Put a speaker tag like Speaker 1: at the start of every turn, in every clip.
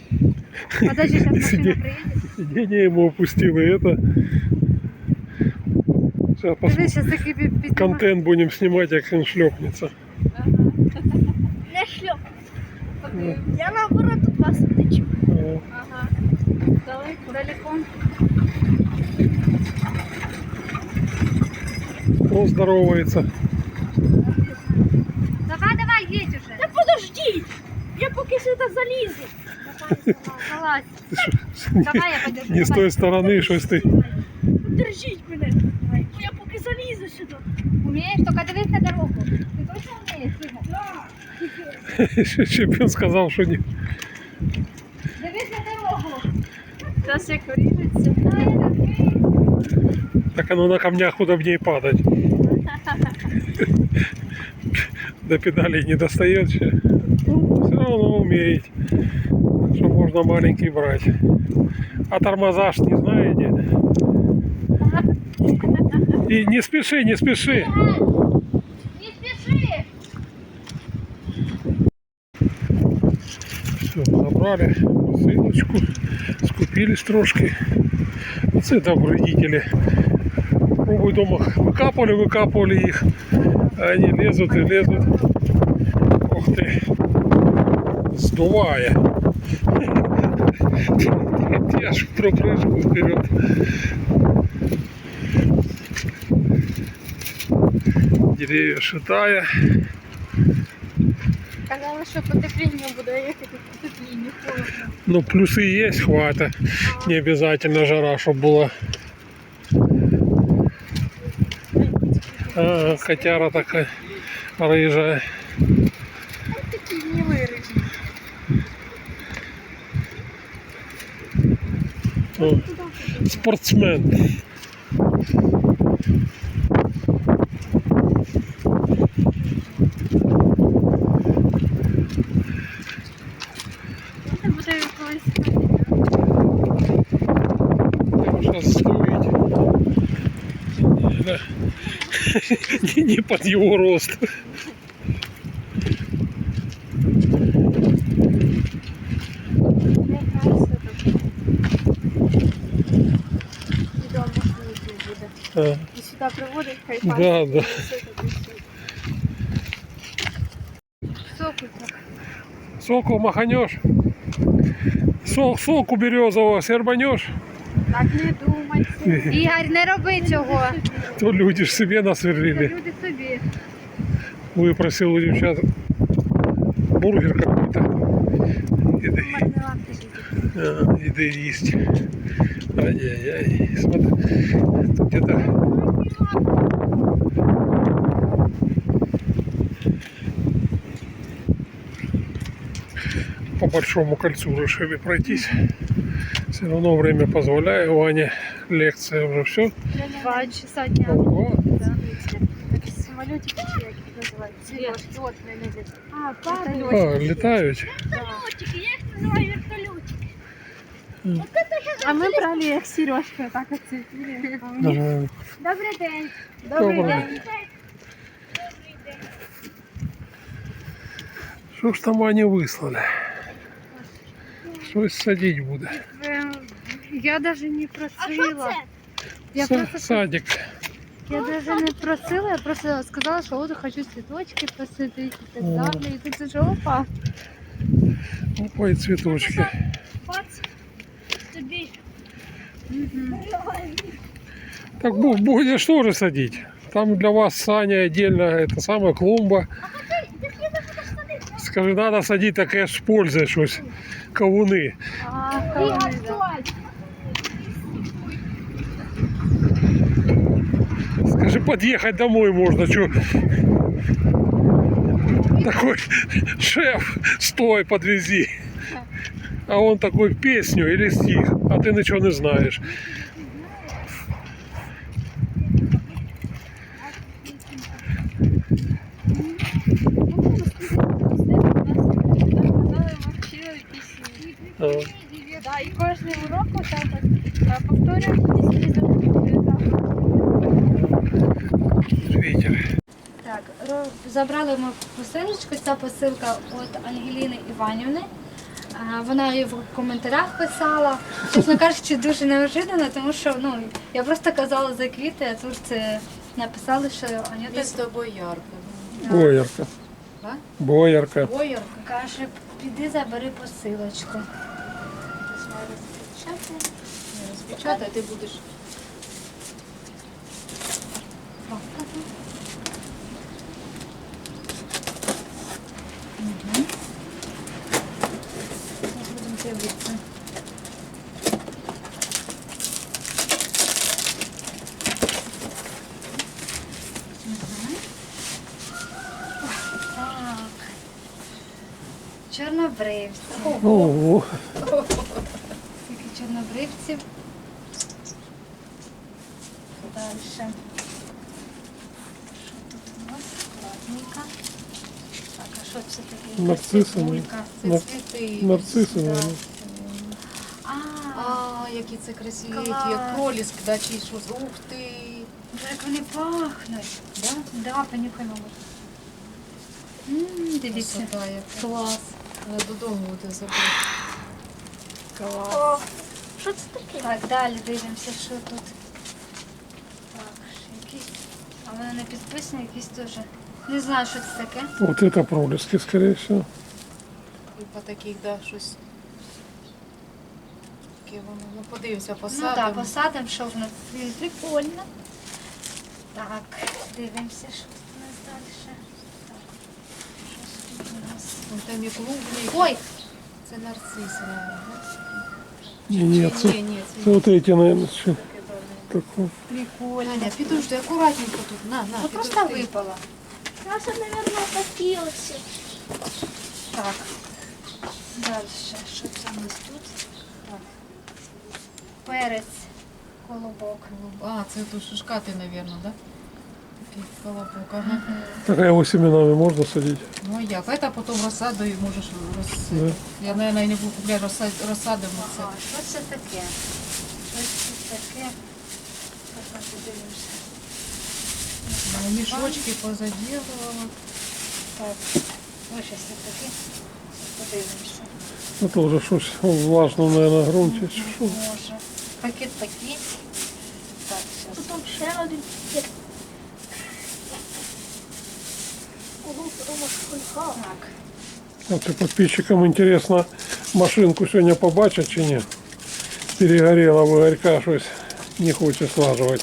Speaker 1: Подожди, сейчас машина приедет.
Speaker 2: Сиденье ему опустило, и это... Сейчас
Speaker 1: Дивись, сейчас таки піднімає.
Speaker 2: контент будем снимать, как он шлепнется.
Speaker 3: Не шльоп. Я наоборот тут вас втечу.
Speaker 1: Ага. Далеко.
Speaker 2: Он здоровается.
Speaker 1: Давай, едь уже.
Speaker 3: Та подождіть! Я поки сюди залізу.
Speaker 1: Залазь.
Speaker 2: Ты что,
Speaker 1: Давай, я подержу.
Speaker 2: не с той стороны, что ты.
Speaker 3: Держіть мене. Я поки залізу сюди.
Speaker 1: Умеешь? Только дивись на дорогу. Ты точно умеешь, Сима?
Speaker 2: Чемпион сказал, что не.
Speaker 1: Дивись на дорогу.
Speaker 3: Зараз як виріжеться.
Speaker 2: Так оно на камнях удобнее падать. До педалей не достает. Все равно умеет. Что можно маленький брать. А тормоза ж не знаете. И не спеши, не спеши.
Speaker 1: Не спеши.
Speaker 2: Все, забрали посылочку, скупились трошки. Це добродетели. Пробуй дома выкапывали их, а они лезут и лезут. Ух ты, сдувая. Я ж про прыжку вперед. Деревья шатая.
Speaker 3: Казали, що потепління буде, як це потепління, холодно.
Speaker 2: Ну, плюсы есть, хватит. Не обязательно жара, чтобы была. А, котяра такая рыжая.
Speaker 3: Такі не виріжні.
Speaker 2: О, спортсмен.
Speaker 3: Це буде колись.
Speaker 2: Сейчас сдует. Да. Не под его рост. А,
Speaker 3: І сюди приводить, хай
Speaker 2: да, да.
Speaker 1: Соку.
Speaker 2: Соку маханешь. Соку березового сербанешь.
Speaker 3: Так не думайте.
Speaker 1: Ігор, не роби цього.
Speaker 2: То люди ж себе
Speaker 1: Це
Speaker 2: насверлили.
Speaker 1: люди собі.
Speaker 2: Выпросил у девчат бургер какой-то. Еды есть. Ай-яй-яй. Смотри. Тут где-то по большому кольцу решили пройтись. Все равно время позволяет. Ваня, лекция уже все.
Speaker 1: 2 часа дня.
Speaker 3: Такі самолітики, чи як їх називають? Сережки, от не летять. А, падають.
Speaker 2: А, летают.
Speaker 3: Вертольотики, я їх називаю вертольотики.
Speaker 1: А ми брали як сережки, так оце.
Speaker 2: Ага.
Speaker 1: Добрий день.
Speaker 2: Добрий день. Что ж там они выслали? Что садить будет?
Speaker 1: Я даже не
Speaker 3: А що
Speaker 1: просила.
Speaker 3: це?
Speaker 1: Я просто
Speaker 2: Садик.
Speaker 1: я даже не просила, я просто сказала, що от хочу цвіточки посадити і так далі. І тут уже опа.
Speaker 2: Опа, и цветочки.
Speaker 3: Бац. Тобі.
Speaker 2: Так будешь тоже садить. Там для вас, Саня, отдельно это самая клумба. Скажи, надо садить, так я ж пользуюсь щось. Кавуни.
Speaker 3: Ігор, стой.
Speaker 2: Скажи, подъехать домой можно, что? Такой шеф, стой, подвези. А он такой песню или стих, а ты ничего не знаешь. А,
Speaker 3: Да, і кожний урок отак от повторюємо після
Speaker 2: ветер.
Speaker 1: Так, забрали ми посилочку. Ця посилка від Ангеліни Іванівни. Вона і в коментарях писала. Чесно кажучи, дуже неожиданно, тому що я просто казала за квіти, а тут це написали, що Анюта
Speaker 3: Місто Боярка.
Speaker 2: Боярка.
Speaker 3: А?
Speaker 2: Боярка.
Speaker 3: Боярка.
Speaker 1: каже, піди забери посилочку.
Speaker 3: Не розпечатай, ти будеш.
Speaker 1: Будемо дивитися. Так. Чорнобривці.
Speaker 2: Ого.
Speaker 1: Скільки чорнобривців. Далі. Що тут у нас? Ладненько. Так, а що це таке?
Speaker 2: Нарциси,
Speaker 1: Цибулька.
Speaker 3: Це
Speaker 2: Нар-
Speaker 3: цвіти.
Speaker 2: Нарциси,
Speaker 1: Да.
Speaker 2: наверное.
Speaker 3: А, які це красиві,
Speaker 1: Клас.
Speaker 3: які як проліск, да, чи що. Ух ти.
Speaker 1: Як вони пахнуть.
Speaker 3: Да?
Speaker 1: Да, понюхаємо. Дивіться.
Speaker 3: Красота яка.
Speaker 1: Клас.
Speaker 3: Вона додому буде забрати. Клас.
Speaker 4: О, що це таке?
Speaker 1: Так, далі дивимося, що тут. Так, ще якісь. А вони не підписані, якісь теж. Не знаю, що це таке.
Speaker 2: Вот это пролески, скорее всего.
Speaker 3: І по таких, да, щось. Таке воно. Ну, подивимося,
Speaker 1: Ну
Speaker 3: посадимо.
Speaker 1: так, посадимо, що в нас. Прикольно. Так, дивимося, що тут у нас далі. Так, щось тут у нас.
Speaker 3: Вон там і клубні.
Speaker 1: Ой,
Speaker 3: Це нарциси, мабуть.
Speaker 2: Нет,
Speaker 3: Ні, ні,
Speaker 2: это
Speaker 3: це
Speaker 2: вот эти, наверное, что
Speaker 3: таке давно.
Speaker 2: такое.
Speaker 1: прикольно.
Speaker 3: Аня, підожди, акуратненько тут. На,
Speaker 1: Ну просто
Speaker 3: підожди.
Speaker 1: випала.
Speaker 4: У нас, мабуть, такі ось.
Speaker 1: Так. Далі, що це у нас тут? Так. Перець, колобок.
Speaker 3: А, це тут шишкати, мабуть, да? Такий колобок, ага.
Speaker 2: Так а его семенами можно садить?
Speaker 3: Ну а як? Это потім розсадою можеш
Speaker 2: Да.
Speaker 3: розсадити. Я, мабуть, не буду купляти, розсадимо це.
Speaker 1: Ага, що це таке? Щось це таке. Так, подивимося.
Speaker 3: Ну, мішочки позаділувала.
Speaker 1: Так. Ось щось це таке. Подивимося.
Speaker 2: Это уже что-то в влажном, наверное, грунте. Что?
Speaker 1: Може. Пакет. Так, зараз.
Speaker 4: Потім ще один. Ого, подумав, фольга.
Speaker 1: Так.
Speaker 2: Вот и подписчикам интересно, машинку сегодня побачить чи нет? Перегорела в Игорька, щось не хочет слаживать.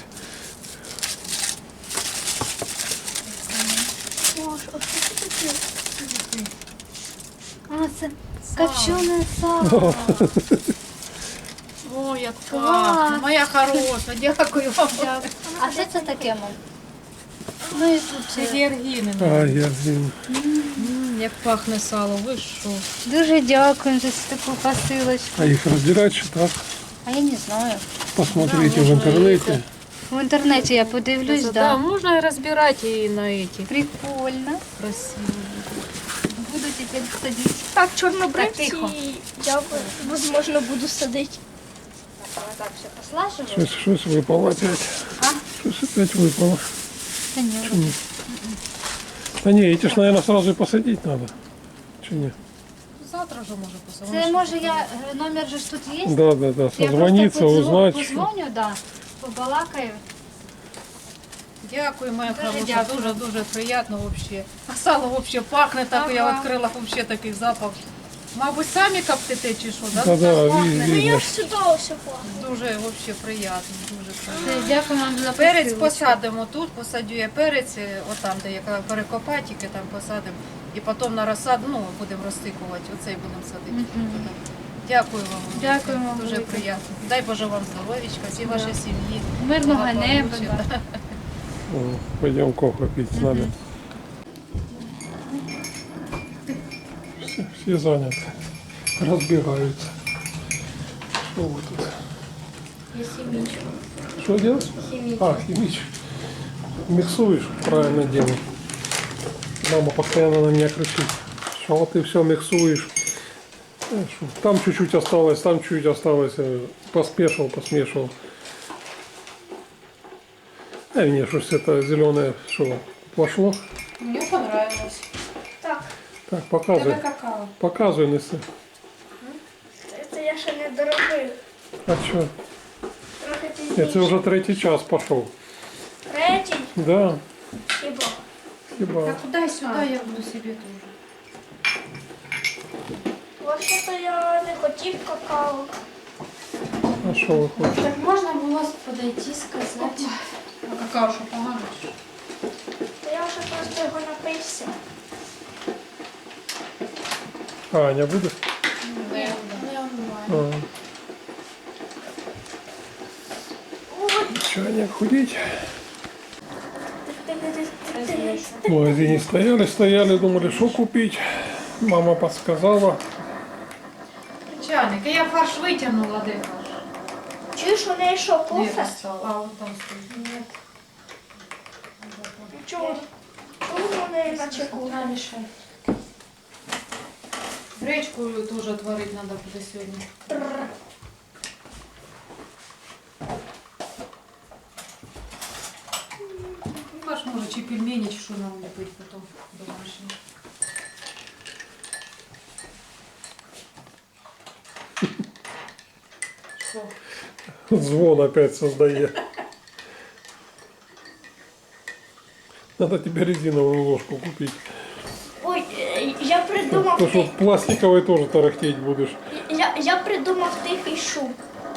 Speaker 4: О, що це таке?
Speaker 1: А, це копчене сало.
Speaker 3: О, як
Speaker 1: Клас.
Speaker 3: пахне. Моя хороша, дякую вам.
Speaker 1: А що це таке, мам? Ну і тут
Speaker 3: Це георгіни.
Speaker 2: А, я блин.
Speaker 3: Як пахне сало, ви що?
Speaker 1: дуже дякую за таку посилочку.
Speaker 2: А их разделять что так?
Speaker 1: А я не знаю.
Speaker 2: Посмотрите
Speaker 3: Да,
Speaker 2: в
Speaker 3: можно
Speaker 2: интернете.
Speaker 1: В інтернеті я подивлюсь,
Speaker 3: Да,
Speaker 1: да.
Speaker 3: можна розбирати і на эти.
Speaker 1: Прикольно.
Speaker 3: Красиво.
Speaker 1: Буду тепер садити.
Speaker 4: Так,
Speaker 1: Так,
Speaker 4: чорнобривці.
Speaker 1: тихо.
Speaker 4: Я, можливо, буду садити.
Speaker 1: Так, все послаживаю.
Speaker 2: Что-то выпало опять.
Speaker 1: А?
Speaker 2: Что-то опять выпало.
Speaker 1: Та ні.
Speaker 2: Чё не? Да не, эти ж, наверное, сразу и посадить надо. Че не?
Speaker 3: Завтра вже може посадити.
Speaker 1: Це може я, номер же ж тут є?
Speaker 2: Да, да, да.
Speaker 1: Я
Speaker 2: Созвониться,
Speaker 1: просто
Speaker 2: узнать. Что...
Speaker 1: позвоню, да, побалакаю.
Speaker 3: Дякую, моя
Speaker 1: Дуже
Speaker 3: хороша,
Speaker 1: дякую.
Speaker 3: дуже приємно вообще. А сало вообще пахне, так я
Speaker 1: Ага.
Speaker 3: відкрила вообще такий запах. Мабуть, самі коптите чи що, да?
Speaker 2: Да, да,
Speaker 3: Пахне.
Speaker 4: Ну,
Speaker 2: видно.
Speaker 4: я ж сюди ось пахну.
Speaker 3: Дуже вообще приємно, дуже приємно.
Speaker 1: Все, дякую вам за
Speaker 3: Перець
Speaker 1: посилочку.
Speaker 3: посадимо тут, посадю я перець, отам, де яка перекопатики, там посадимо. І потім на розсаду, ну, будемо розтикувати, оцей будемо садити.
Speaker 1: Мгм.
Speaker 3: Дякую вам.
Speaker 1: Дякую вам
Speaker 3: Дуже
Speaker 1: велике.
Speaker 3: приємно. Дай Боже вам здоров'ячка, всій
Speaker 1: Да.
Speaker 3: вашій сім'ї.
Speaker 1: Мирного
Speaker 3: Благополуччя,
Speaker 1: неба.
Speaker 3: да.
Speaker 2: О, пойдем кофе пить с нами. Все заняты. Разбегаются. Что вы тут?
Speaker 4: Я хімічу.
Speaker 2: Что делать? А, химич. Миксуешь? Правильно делаешь. Мама постоянно на меня кричит. Что ты все миксуешь? Знаешь, там чуть-чуть осталось, там чуть осталось. Посмешивал. А мне что это зеленое, что пошло?
Speaker 3: Мені понравилось.
Speaker 4: Так,
Speaker 2: Так,
Speaker 3: Тебе
Speaker 2: показывай.
Speaker 3: какао.
Speaker 2: Показывай, неси.
Speaker 4: я ще не доробив.
Speaker 2: А що?
Speaker 4: Трохи
Speaker 2: Це
Speaker 4: пізніше.
Speaker 2: вже третій час пішов.
Speaker 4: Третій?
Speaker 2: Да,
Speaker 4: Хіба?
Speaker 2: хіба.
Speaker 3: Так куди сюди я буду собі теж.
Speaker 4: Вообще-то я не хотів какао.
Speaker 2: А що ви хочете?
Speaker 1: Так можна було подойти, сказати.
Speaker 3: А какао що погано?
Speaker 4: То я вже просто його напився.
Speaker 2: А, Аня буде?
Speaker 1: Не онлайн.
Speaker 2: А. Че, Аня, худеть? В магазине стояли, думали, что купить. Мама подсказала.
Speaker 3: Чайник, я фарш витягнула, де фарш?
Speaker 4: Чуєш, у неї що,
Speaker 3: Де
Speaker 4: кофе?
Speaker 3: стало? А, от там стоїть.
Speaker 4: Чого? Чого у неї наче кофе?
Speaker 1: На мішай.
Speaker 3: Гречку теж творити треба буде сьогодні. Фарш може чи пельмені, чи що нам ліпити потім домашнє. Що?
Speaker 2: Звон опять создает. Надо тебе резиновую ложку купить.
Speaker 4: Ой, я придумав,
Speaker 2: Потому что пластиковой тоже тарахтеть будешь.
Speaker 4: я придумав тихий шум.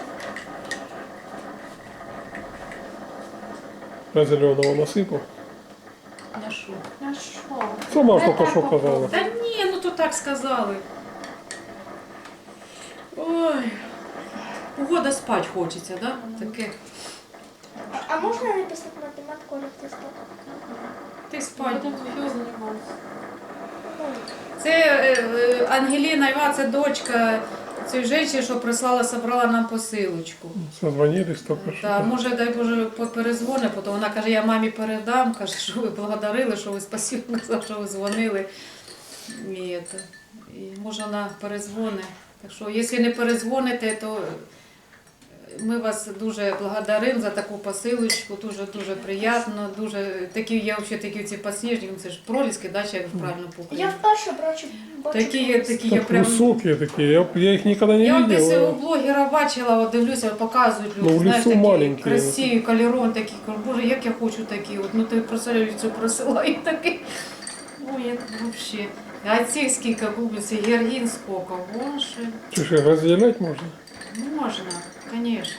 Speaker 2: А зеленого насыпал.
Speaker 3: На що?
Speaker 1: На що?
Speaker 2: Сама ж только что казала.
Speaker 3: Та ні, ну то так сказали. Ой. Погода спать хочеться, да? Таке.
Speaker 4: А можна написати математику електростату?
Speaker 3: Ти спать.
Speaker 1: Будемо займатися.
Speaker 3: Це Ангеліна Іва, це дочка цієї жінки, що прислала, собрала нам посилочку.
Speaker 2: Созвонились только что.
Speaker 3: Та, може, дай Боже, перезвони, потім вона каже, я мамі передам, каже, що ви благодарили, що ви спасибо, казав, що ви дзвонили. І може вона перезвони. Так що, якщо не перезвоните, то ми вас дуже благодаримо за таку посилочку, дуже приємно, дуже такі, я взагалі такі ці посніжні, це ж проліски, да, чи як правильно
Speaker 4: Я
Speaker 3: по-українськи.
Speaker 4: вперше бачу
Speaker 3: Такі я
Speaker 2: Так
Speaker 3: прям...
Speaker 2: высокие такие, я их никогда не
Speaker 3: Я от десь у
Speaker 2: видел.
Speaker 3: блогера бачила, от дивлюся, показують люди,
Speaker 2: Ну, в
Speaker 3: знаєш,
Speaker 2: лісу
Speaker 3: такі
Speaker 2: маленькі.
Speaker 3: красиві, кольорон такі, кажу, боже, як я хочу такі, от, ну ти представляєш, цю присилають такі. Ой, як взагалі. А ці скільки купляться, георгін скільки, боже.
Speaker 2: Что ж, разделять можно?
Speaker 3: Можна, звісно.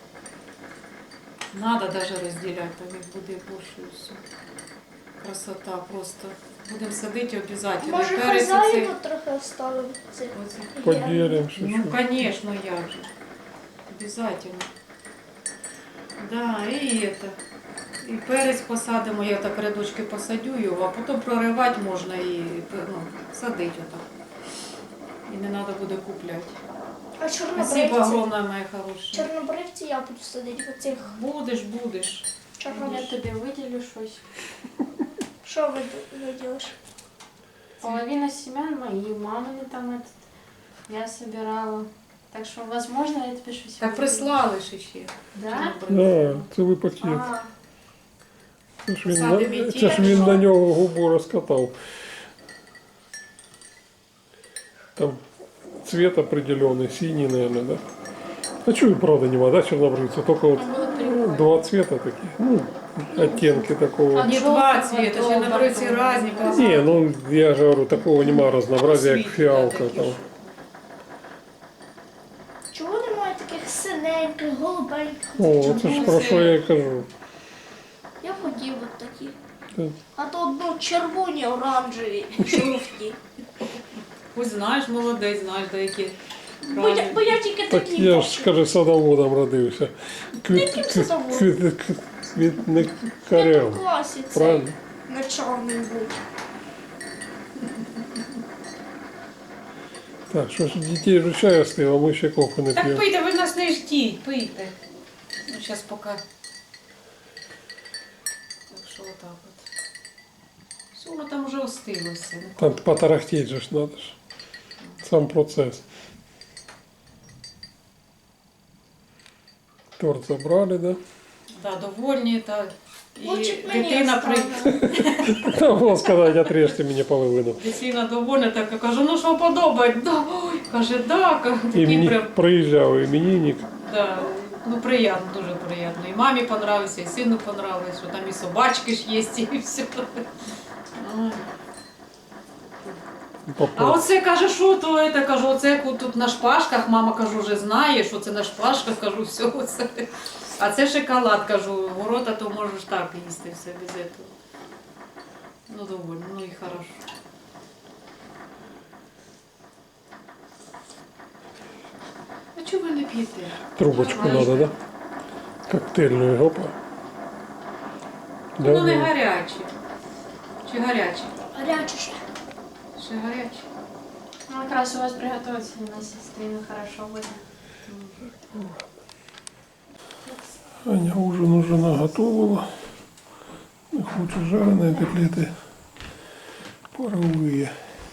Speaker 3: Надо даже розділяти, там їх буде більше і все. Красота просто. Будемо садити обов'язково.
Speaker 4: Може,
Speaker 3: Перець оцей.
Speaker 4: хазяїну трохи оставив цих.
Speaker 3: Оцей.
Speaker 2: Поделим
Speaker 3: Ну,
Speaker 2: чуть-чуть.
Speaker 3: конечно, я же. Обязательно. Да, и это. І перець посадимо, я так рядочки посадю його, а потім проривати можна і ну, садити отак. І не треба буде купляти.
Speaker 4: А
Speaker 3: Спасибо
Speaker 4: чорнобривці?
Speaker 3: огромное, моя хороша.
Speaker 4: Чорнобривці я буду садити в цих
Speaker 3: Будеш.
Speaker 1: Я
Speaker 4: чорнобривців.
Speaker 1: тобі виділю щось.
Speaker 4: Що виділиш?
Speaker 1: Половина семян мои, мамины там этот, я собирала. Так что, возможно, я тебе щось
Speaker 3: Так
Speaker 1: виділю.
Speaker 3: прислали ж ще.
Speaker 1: Да?
Speaker 2: Да, целый пакет.
Speaker 1: А,
Speaker 2: Це ж він,
Speaker 3: Садимо і
Speaker 2: це ж він на нього губу розкатав. Там цвет определенный, синий, наверное, да? А чего, правда, нема, да, чернобрывца? Только вот два цвета таких, ну, оттенки такого.
Speaker 3: Не два цвета, ще на бриці різні.
Speaker 2: Не, ну, я же говорю, такого нема разнообразия, как
Speaker 3: Світлі,
Speaker 2: фиалка
Speaker 3: такі
Speaker 2: там.
Speaker 3: ж.
Speaker 4: Чого немає таких синеньких, голубеньких?
Speaker 2: О, це ж про що я і кажу.
Speaker 4: Я хотів от такі.
Speaker 2: Так.
Speaker 4: А то ну, червоні, оранжеві, жовті.
Speaker 3: Ось знаєш, молодець, знаєш, деякі.
Speaker 4: Бо я тільки
Speaker 2: Так
Speaker 4: такі
Speaker 2: я ж,
Speaker 4: бачу.
Speaker 2: скажи, садоводом родився.
Speaker 4: Яким садоводом? Я
Speaker 2: Квітникарем.
Speaker 4: в класі цей
Speaker 2: Правильно?
Speaker 4: начальний був.
Speaker 2: Так, що ж, дітей вже чай остив, а ми ще кофе не
Speaker 3: Так
Speaker 2: п'ємо.
Speaker 3: пийте, ви нас не ждіть, пийте. Ну, зараз поки. Так що отак от. Все, воно там вже остило все.
Speaker 2: Там потарахтеть же ж надо ж. Сам процесс. Торт забрали, да?
Speaker 3: Да, довольні, та І
Speaker 4: Лучше б мені
Speaker 3: дитина
Speaker 4: оставили.
Speaker 2: Там було сказати, отрежьте мені половину.
Speaker 3: Дитина довольна, так я кажу, ну що подобається? Да. Ой, каже, да, такий
Speaker 2: Імені...
Speaker 3: прям,
Speaker 2: Приїжджав іменинник.
Speaker 3: да. Ну приємно, дуже приємно. І мамі понравився, і сину понравилось, що там і собачки ж є, і все. Ой. А оце каже, що то це, кажу, оце як тут на шпажках, мама кажу, вже знає, що це на шпажках, кажу, все оце. А це шоколад, кажу, города, то можеш так їсти все без цього. Ну довольно, ну і хорошо. А чого ви не п'єте?
Speaker 2: Трубочку надо, да? Коктейльную, опа.
Speaker 3: Ну не
Speaker 2: Да,
Speaker 3: гарячі. Чи гарячі?
Speaker 4: Гаряче ще.
Speaker 3: Ще гарячі.
Speaker 5: Ну, как раз у вас приготовиться на сестрину хорошо будет.
Speaker 2: Аня ужин уже наготовила. Хочет жареные котлеты паровые.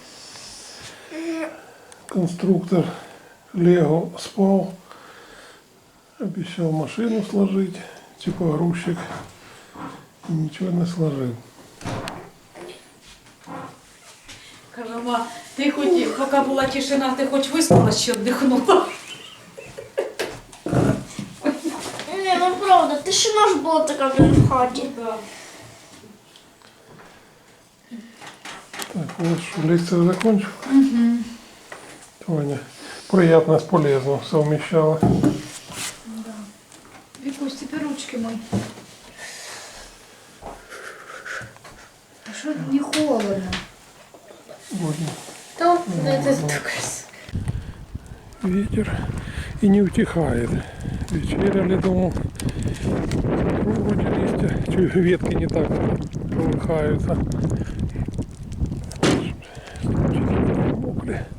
Speaker 2: Конструктор Лего спал. Обещал машину сложить, типа грузчик. И ничего не сложил.
Speaker 3: Кажу, ма, ти хоч, поки була тишина, ти хоч виспала, ще віддихнула.
Speaker 4: Ні, ну правда, тишина ж була така вже в хаті.
Speaker 3: Да.
Speaker 2: Так, вот что, лекцию закончил. Таня приятно с полезным совмещала.
Speaker 1: Вікусь, тепер ручки мої. А що не холодно?
Speaker 2: Будем.
Speaker 5: То, ну это такой.
Speaker 2: Ветер и не утихает. Вечеряли, думал, вроде листья, чуть ветки не так колыхаются. Мокли.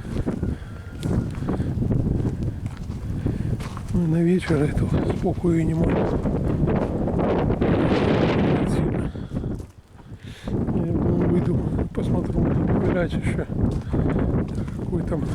Speaker 2: Ну, и на вечер это спокою не могу. Сильно. Я думаю, выйду, посмотрю, гулять еще. Какой там.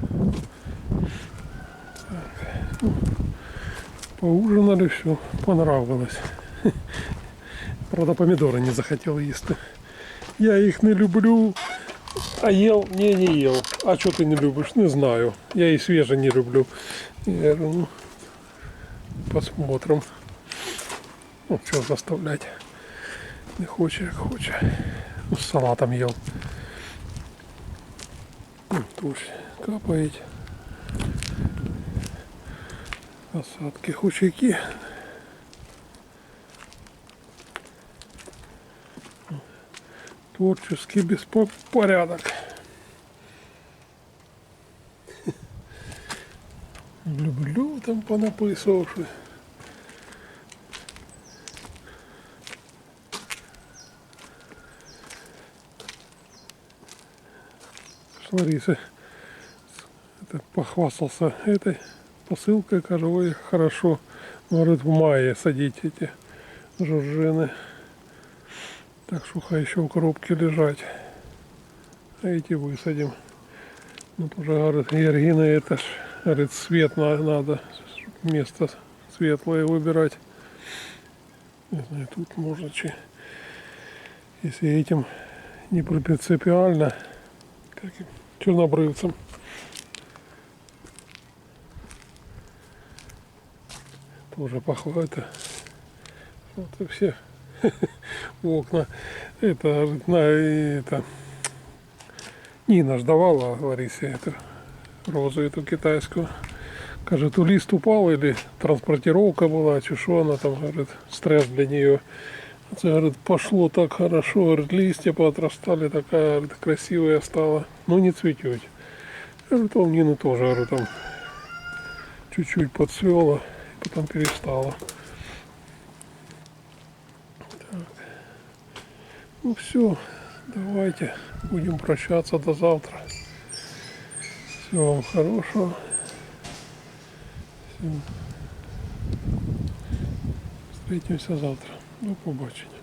Speaker 2: Так. Ну, поужинали, все, понравилось. Правда, помидоры не захотел есть. Я их не люблю. А ел? Не ел. А что ты не любишь? Не знаю. Я и свежие не люблю. Я говорю, ну, посмотрим. Ну, что заставлять. Не хочет, как хочет. Ну, с салатом ел. Ну, дождь капает. Осадки хучаки. Творческий беспорядок. Люблю там понаписавши. Лариса это похвастался этой посылкой, кажу, ой, хорошо. Говорит, в мае садить эти жоржины. Так что хай еще в коробке лежать. А эти высадим. Ну тоже, говорит, Георгина, это ж, говорит, свет надо. Место светлое выбирать. Не знаю, тут можно если этим не принципиально, как чернобрывцам. Тоже похвата. Вот и все в окна. Это Нина ж давала Ларисе эту розу эту китайскую. Кажет, то лист упал или транспортировка была, что она там, говорит, стресс для нее. Это, говорит, пошло так хорошо, говорит, листья поотрастали, такая, говорит, красивая стала. Ну не цветет. Говорит, у Нины тоже, говорит, там чуть-чуть подцвела, потом перестала. Так. Ну все, давайте будем прощаться до завтра. Всего вам хорошего. Всем. Встретимся завтра. До побачення.